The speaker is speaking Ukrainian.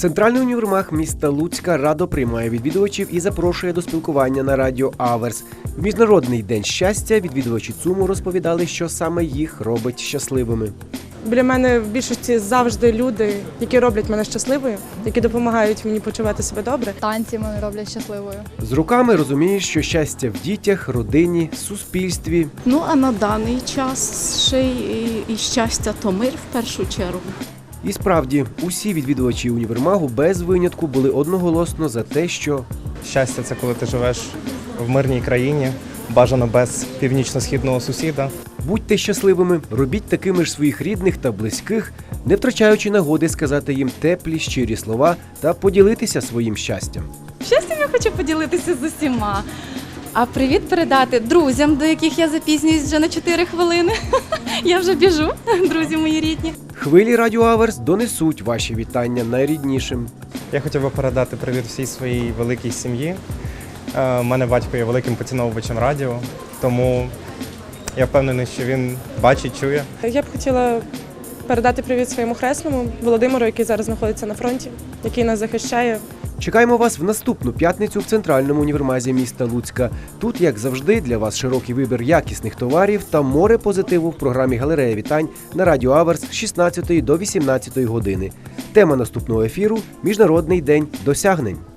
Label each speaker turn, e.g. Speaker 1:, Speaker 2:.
Speaker 1: Центральний універмаг міста Луцька радо приймає відвідувачів і запрошує до спілкування на радіо Аверс. В Міжнародний день щастя відвідувачі ЦУМу розповідали, що саме їх робить щасливими.
Speaker 2: Біля мене в більшості завжди люди, які роблять мене щасливою, які допомагають мені почувати себе добре.
Speaker 3: Танці мене роблять щасливою.
Speaker 1: З роками розумієш, що щастя в дітях, родині, суспільстві.
Speaker 4: Ну, а на даний час ще і щастя то мир в першу чергу.
Speaker 1: І справді, усі відвідувачі універмагу без винятку були одноголосно за те, що
Speaker 5: Щастя – це коли ти живеш в мирній країні, бажано без північно-східного сусіда.
Speaker 1: будьте щасливими, робіть такими ж своїх рідних та близьких, не втрачаючи нагоди сказати їм теплі, щирі слова та поділитися своїм щастям.
Speaker 6: Щастям я хочу поділитися з усіма. А привіт передати друзям, до яких я запізнююсь вже на 4 хвилини. Я вже біжу, друзі мої рідні.
Speaker 1: Хвилі Радіо Аверс донесуть ваші вітання найріднішим.
Speaker 5: Я хотів би передати привіт всій своїй великій сім'ї. У мене батько є великим поціновувачем радіо, тому я впевнений, що він бачить, чує.
Speaker 2: Я б хотіла передати привіт своєму хресному Володимиру, який зараз знаходиться на фронті, який нас захищає.
Speaker 1: Чекаємо вас в наступну п'ятницю в Центральному універмазі міста Луцька. Тут, як завжди, для вас широкий вибір якісних товарів та море позитиву в програмі «Галерея вітань» на Радіо Аверс з 16 до 18 години. Тема наступного ефіру – Міжнародний день досягнень.